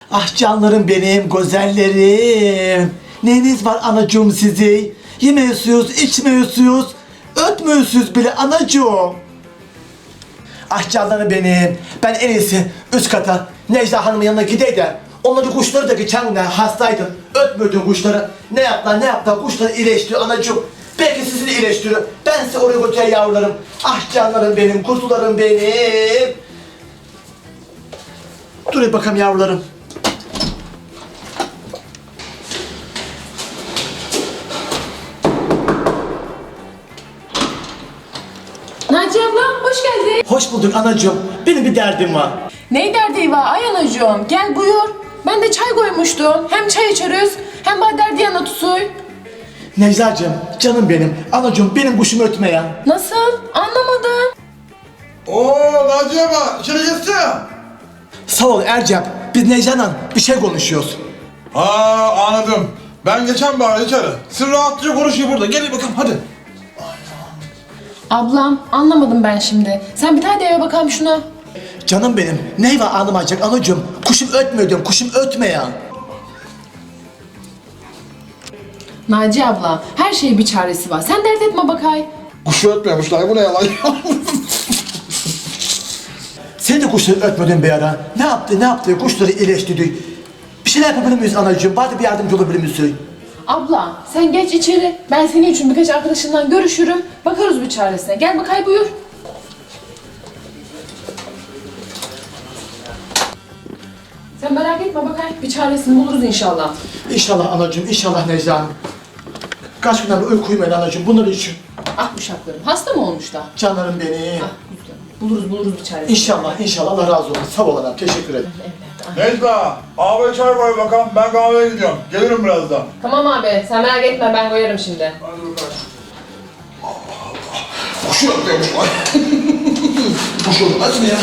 Ah canlarım benim, güzellerim. Neyiniz var anacığım sizi? Yemiyorsunuz, içmiyorsunuz, ötmüyorsunuz bile anacığım. Ah canlarım benim. Ben en iyisi üst kata Necla Hanım'ın yanına gideyim de onları kuşları da geçen gün hastaydım. Ötmüyordum kuşları. Ne yaptılar kuşları iyileştiriyor anacığım. Belki sizi de iyileştiriyor. Ben size oraya götüreyim yavrularım. Ah canlarım benim, kuzularım benim. Dur bakalım yavrularım. Naciye abla hoş geldin. Hoş bulduk anacığım. Benim bir derdim var. Ney derdi var ay anacığım? Gel buyur. Ben de çay koymuştum. Hem çay içeriz hem bana derdi yana tutuy. Necla'cığım, canım benim. Anacığım benim kuşum ötme ya. Nasıl? Anlamadım. Oo Naciye abla içeri geçsene. Sağ ol Ercep. Biz Necla'yla bir şey konuşuyoruz. Anladım. Ben geçen bari içeri. Siz rahatça konuşun burada. Gelin bakalım hadi. Ablam anlamadım ben şimdi. Sen bir tane de eve bakalım şuna. Canım benim. Ney var anlamayacak anacığım? Kuşum ötmüyor diyorum. Kuşum ötme ya. Naciye abla her şeyin bir çaresi var. Sen dert etme bakay. Kuşu ötmemişler. Bu ne yalan? Sen de kuşları ötmedin bir ara. Ne yaptı? Kuşları iyileştirdi. Bir şeyler yapabilir miyiz anacığım? Bari bir yardımcı olabilir misin? Abla sen geç içeri. Ben senin için birkaç arkadaşından görüşürüm. Bakarız bir çaresine. Gel bakay buyur. Sen merak etme bakay. Bir çaresini buluruz inşallah. İnşallah anacığım, inşallah Necla Hanım. Kaç günden beri uyku uyumadı anacığım. Bunlar için. Ah uşaklarım. Hasta mı olmuş da? Canlarım benim. Ah güzel. Buluruz bir çaresini. İnşallah Allah razı olsun. Sağ ol anam. Teşekkür ederim. Necla, abi çay koy bakalım. Ben kahveye gidiyorum. Gelirim birazdan. Tamam abi. Sen merak etme. Ben koyarım şimdi. Hadi bakalım. Kuşu ötmemişler. Kuşu ötmez mi ya?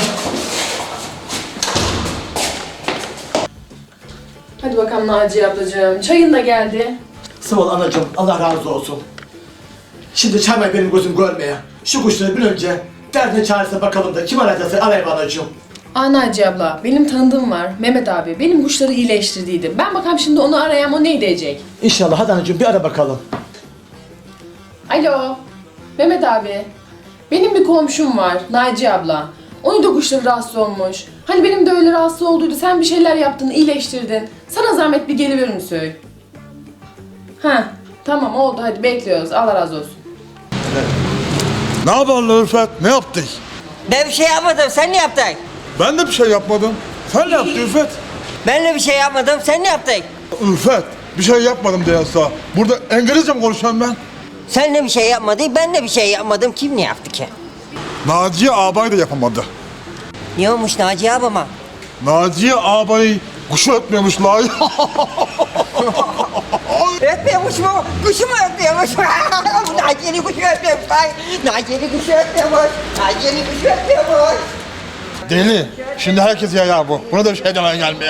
Hadi bakalım Naciye ablacığım. Çayın da geldi. Sağ ol anacığım. Allah razı olsun. Şimdi çaymayı benim gözüm görmeye. Şu kuşları bir önce derdine çaresine bakalım da kim arayacaksa arayayım anacığım. Naciye abla, benim tanıdığım var. Mehmet abi. Benim kuşları iyileştirdiydim. Ben bakalım şimdi onu arayayım. O ne diyecek? İnşallah hadi anacığım bir ara bakalım. Alo. Mehmet abi. Benim bir komşum var. Naciye abla. Onun da kuşları rahatsız olmuş. Hani benim de öyle rahatsız olduydu. Sen bir şeyler yaptın, iyileştirdin. Sana zahmet bir geliverir misin? Ha, tamam oldu. Hadi bekliyoruz. Allah razı olsun. Ne yapalım Ülfet? Ne yaptık? Ben bir şey yapmadım, sen ne yaptın? Ben de bir şey yapmadım. Sen ne yaptın Ülfet? Ben de bir şey yapmadım, sen ne yaptın? Ülfet, bir şey yapmadım diyorsa. Burada İngilizce mi konuşuyorum ben? Sen de bir şey yapmadın, ben de bir şey yapmadım. Kim ne yaptı ki? Naciye ağabey de yapamadı. Ne olmuş Naciye abama? Naciye ağabey kuşu ötmemişler. Ötmüyormuş mu? Kuşu mu ötmüyormuş? Naciye'nin kuşu ötmüyormuş. Naciye'nin kuşu ötmüyormuş. Naciye'nin kuşu ötmüyormuş. Deli. Şimdi herkes yayar bu. Buna da bir şey demeye gelmiyor.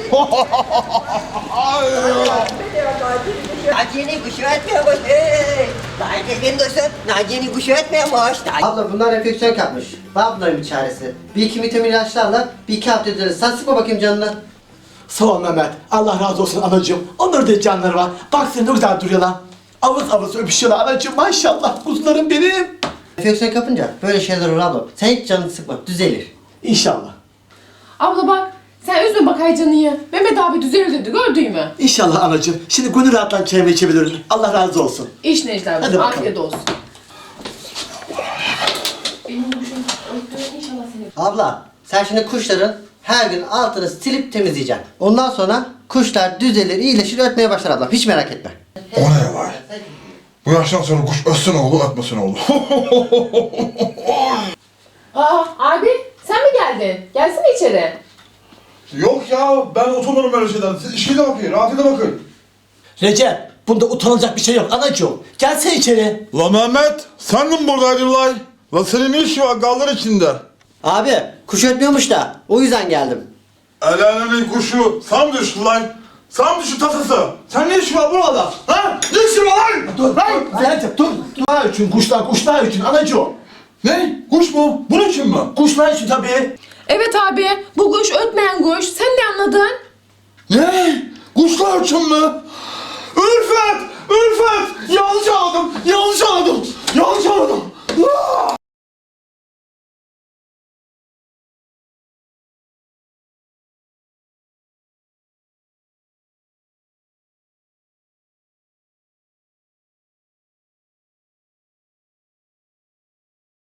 Naciye'nin kuşu ötmüyormuş. Naciye'nin kuşu, Naciye'nin kuşu ötmüyormuş. Abla bunlar enfeksiyon kapmış. Var bunların bir çaresi. Bir iki vitamin ilaçlarla bir iki hafta ederiz. Sen sıkma bakayım canına. Sağ ol Mehmet. Allah razı olsun anacığım. Onların da canları var. Bak sen ne güzel duruyorlar. Avız öpüşüyorlar anacığım. Maşallah kuzularım benim. Enfeksiyon kapınca böyle şeyler olur abla. Sen hiç canını sıkma. Düzelir. İnşallah. Abla bak. Sen üzme bakay canıyı. Mehmet abi düzelir dedi. Gördün mü? İnşallah anacığım. Şimdi gönül rahatlan çayımı içebilirim. Allah razı olsun. İş Necla Hadi abla. bakalım. Afiyet olsun. Benim kuşum öttü. İnşallah seni. Abla sen şimdi kuşların her gün altını silip temizleyeceksin. Ondan sonra kuşlar düzelir, iyileşir, ötmeye başlar abla. Hiç merak etme. O ne var? Bu yaştan sonra kuş ötsün oğlu, ötmesin oğlu. Abi sen mi geldin? Gelsene içeri. Yok ya, ben utanırım öyle şeyden. Siz işine bakın, rahatına bakın. Recep, bunda utanılacak bir şey yok anacığım. Gelsene içeri. La Mehmet, sen de mi buradaydın lan? La senin ne işin var gallar içinde? Abi kuş ötmüyormuş da o yüzden geldim. El alemin kuşu, sen mi düştün lan? Sen mi düştün tasası? Sen ne işin var burada? Ha? Ne işin var lan? Dur, Recep dur. Kuşlar için, kuşlar için anacığım. Ne? Kuş mu? Bunun için mi? Kuşlar için tabii. Evet abi. Bu kuş ötmeyen kuş. Sen ne anladın? Orçun mu? Ülfet! Ülfet! Yalçın